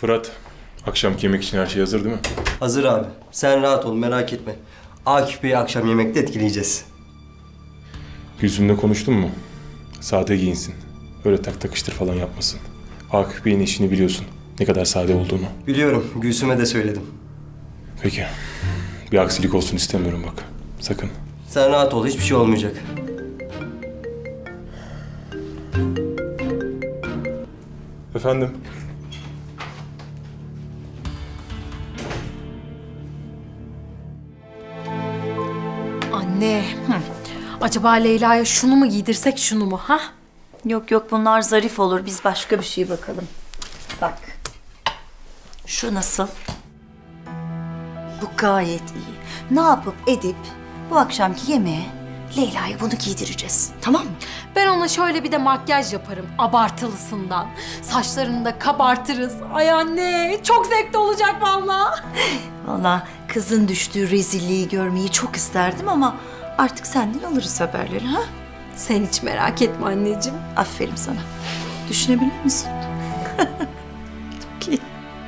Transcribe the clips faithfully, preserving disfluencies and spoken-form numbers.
Fırat, akşamki yemek için her şey hazır değil mi? Hazır abi. Sen rahat ol, merak etme. Akif Bey'i akşam yemekte etkileyeceğiz. Gülsüm'le konuştun mu? Sade giyinsin. Öyle tak takıştır falan yapmasın. Akif Bey'in işini biliyorsun. Ne kadar sade olduğunu. Biliyorum, Gülsüm'e de söyledim. Peki. Bir aksilik olsun istemiyorum bak. Sakın. Sen rahat ol, hiçbir şey olmayacak. Efendim? Anne, hı. Acaba Leyla'ya şunu mu giydirsek şunu mu ha? Yok yok bunlar zarif olur. Biz başka bir şey bakalım. Bak. Şu nasıl? Bu gayet iyi. Ne yapıp edip bu akşamki yemeğe Leyla'ya bunu giydireceğiz. Tamam mı? Ben ona şöyle bir de makyaj yaparım abartılısından. Saçlarını da kabartırız. Ay anne çok zevkli olacak vallahi. Vallahi kızın düştüğü rezilliği görmeyi çok isterdim ama artık senden alırız haberleri ha? Sen hiç merak etme anneciğim. Aferin sana. Düşünebiliyor musun? Çok iyi.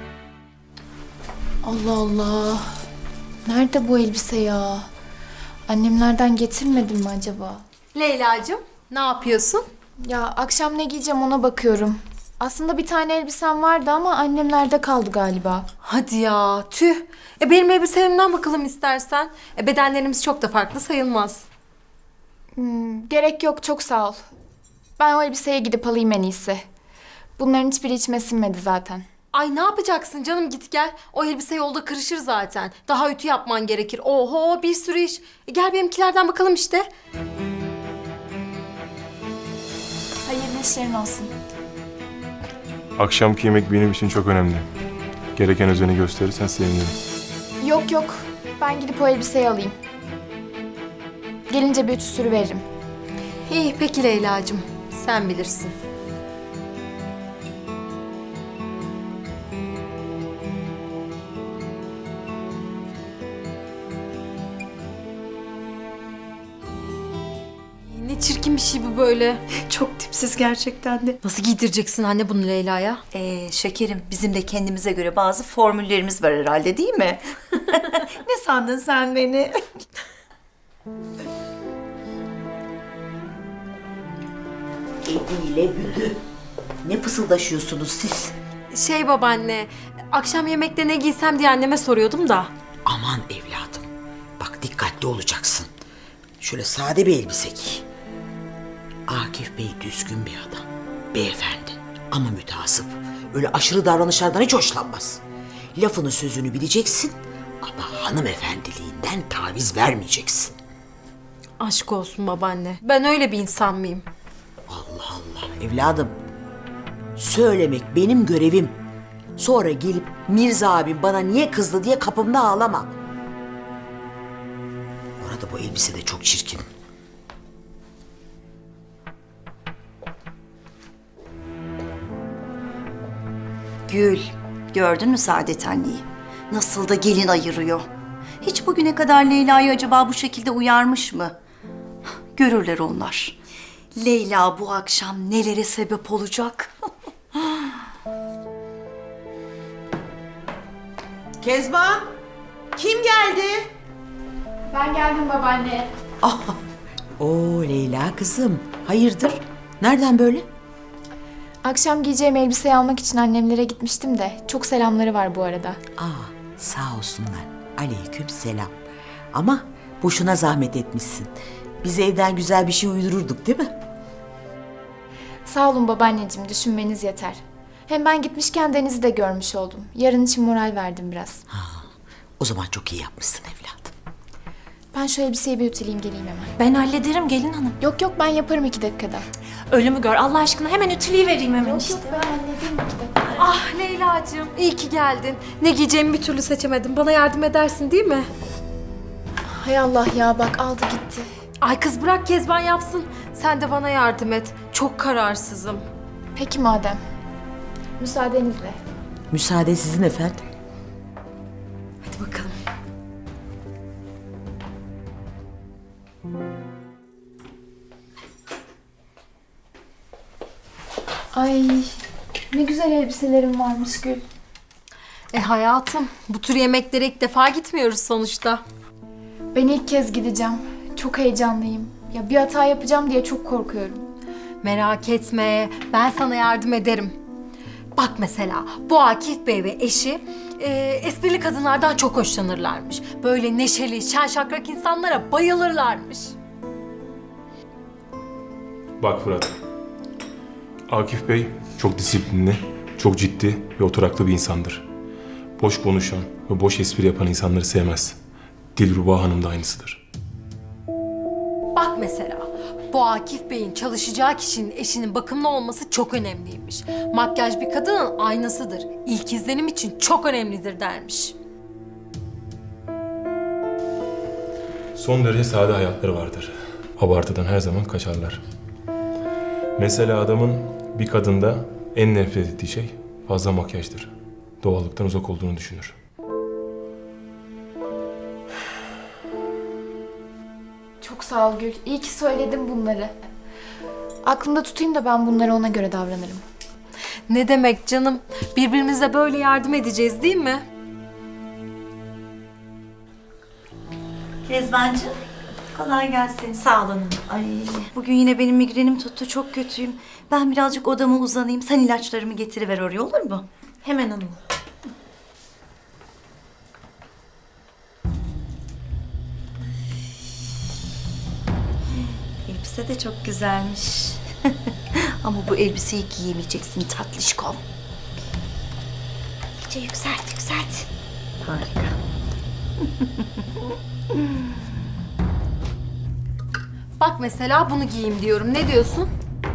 Allah Allah. Nerede bu elbise ya? Annemlerden getirmedim mi acaba? Leyla'cığım ne yapıyorsun? Ya akşam ne giyeceğim ona bakıyorum. Aslında bir tane elbisem vardı ama annemlerde kaldı galiba. Hadi ya tüh. E benim elbiselerimden bakalım istersen. E bedenlerimiz çok da farklı sayılmaz. Hmm, gerek yok çok sağ ol. Ben o elbiseye gidip alayım en iyisi. Bunların hiçbiri içime sinmedi zaten. Ay ne yapacaksın canım git gel. O elbise yolda kırışır zaten. Daha ütü yapman gerekir. Oho bir sürü iş. E gel benimkilerden bakalım işte. Hayırlı işlerin olsun. Akşamki yemek benim için çok önemli. Gereken özeni gösterirsen sevinirim. Yok yok. Ben gidip o elbiseyi alayım. Gelince bir ütü sürü veririm. İyi peki Leyla'cığım. Sen bilirsin. Ne çirkin bir şey bu böyle. Çok tipsiz gerçekten de. Nasıl giydireceksin anne bunu Leyla'ya? Ee, şekerim bizim de kendimize göre bazı formüllerimiz var herhalde değil mi? Ne sandın sen beni? Eliyle büdü. Ne fısıldaşıyorsunuz siz? Şey babaanne, akşam yemekte ne giysem diye anneme soruyordum da. Aman evladım. Bak dikkatli olacaksın. Şöyle sade bir elbise giy. Akif Bey düzgün bir adam. Beyefendi ama müteasıp. Öyle aşırı davranışlardan hiç hoşlanmaz. Lafını sözünü bileceksin ama hanımefendiliğinden taviz vermeyeceksin. Aşk olsun babaanne. Ben öyle bir insan mıyım? Allah Allah evladım. Söylemek benim görevim. Sonra gelip Mirza abim bana niye kızdı diye kapımda ağlama. Orada bu elbise de çok çirkin. Gül, gördün mü Saadet anneyi? Nasıl da gelin ayırıyor. Hiç bugüne kadar Leyla'yı acaba bu şekilde uyarmış mı? Görürler onlar. Leyla bu akşam nelere sebep olacak? Kezban, kim geldi? Ben geldim babaanne. Oo Leyla kızım, hayırdır? Nereden böyle? Akşam giyeceğim elbiseyi almak için annemlere gitmiştim de çok selamları var bu arada. Aa, sağ olsunlar. Aleyküm selam. Ama boşuna zahmet etmişsin. Biz evden güzel bir şey uydururduk değil mi? Sağ olun babaanneciğim, düşünmeniz yeter. Hem ben gitmişken Deniz'i de görmüş oldum. Yarın için moral verdim biraz. O zaman çok iyi yapmışsın evladım. Ben şu elbiseyi bir ütüleyeyim geleyim hemen. Ben hallederim gelin hanım. Yok yok ben yaparım iki dakikada. Ölümü gör Allah aşkına hemen ütüleyi vereyim hemen Yok işte. yok ben hallederim iki dakikada. Ah Leyla'cığım iyi ki geldin. Ne giyeceğimi bir türlü seçemedim. Bana yardım edersin değil mi? Hay Allah ya bak aldı gitti. Ay kız bırak Kezban yapsın. Sen de bana yardım et. Çok kararsızım. Peki madem. Müsaadenizle. Müsaade sizin efendim. Hadi bakalım. Ay ne güzel elbiselerim varmış Gül. E hayatım, bu tür yemeklere ilk defa gitmiyoruz sonuçta. Ben ilk kez gideceğim. Çok heyecanlıyım. Ya bir hata yapacağım diye çok korkuyorum. Merak etme, ben sana yardım ederim. Bak mesela, bu Akif Bey ve eşi e, esprili kadınlardan çok hoşlanırlarmış. Böyle neşeli, şen şakrak insanlara bayılırlarmış. Bak Fırat. Akif Bey çok disiplinli, çok ciddi ve oturaklı bir insandır. Boş konuşan ve boş espri yapan insanları sevmez. Dilruba Hanım da aynısıdır. Bak mesela, bu Akif Bey'in çalışacağı kişinin eşinin bakımlı olması çok önemliymiş. Makyaj bir kadının aynasıdır. İlk izlenim için çok önemlidir dermiş. Son derece sade hayatları vardır. Abartıdan her zaman kaçarlar. Mesela adamın bir kadında en nefret ettiği şey fazla makyajdır. Doğallıktan uzak olduğunu düşünür. Çok sağ ol Gül. İyi ki söyledin bunları. Aklımda tutayım da ben bunları ona göre davranırım. Ne demek canım? Birbirimize böyle yardım edeceğiz değil mi? Kezbancığım, kolay gelsin. Sağ ol hanım. Ay, bugün yine benim migrenim tuttu, çok kötüyüm. Ben birazcık odama uzanayım, sen ilaçlarımı getiriver oraya, olur mu? Hemen hanım. Elbise de çok güzelmiş. Ama bu elbiseyi giyemeyeceksin tatlışkom. İyice yükselt, yükselt. Harika. Bak mesela bunu giyeyim diyorum. Ne diyorsun?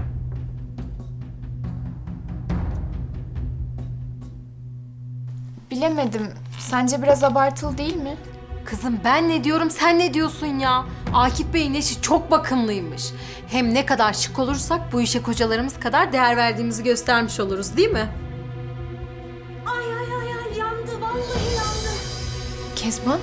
Bilemedim. Sence biraz abartılı değil mi? Kızım ben ne diyorum, sen ne diyorsun ya? Akif Bey'in eşi çok bakımlıymış. Hem ne kadar şık olursak bu işe kocalarımız kadar değer verdiğimizi göstermiş oluruz değil mi? Ay ay ay ay, yandı, vallahi yandı. Kezban?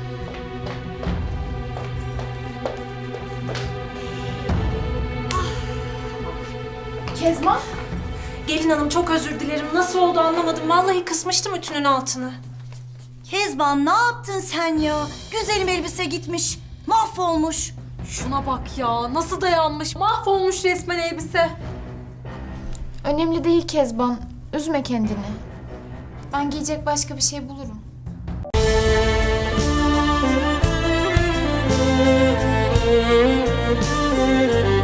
Kezban? Gelin hanım çok özür dilerim. Nasıl oldu anlamadım. Vallahi kısmıştım ütünün altını. Kezban, ne yaptın sen ya? Güzelim elbise gitmiş, mahvolmuş. Şuna bak ya, nasıl dayanmış, mahvolmuş resmen elbise. Önemli değil Kezban. Üzme kendini. Ben giyecek başka bir şey bulurum. Müzik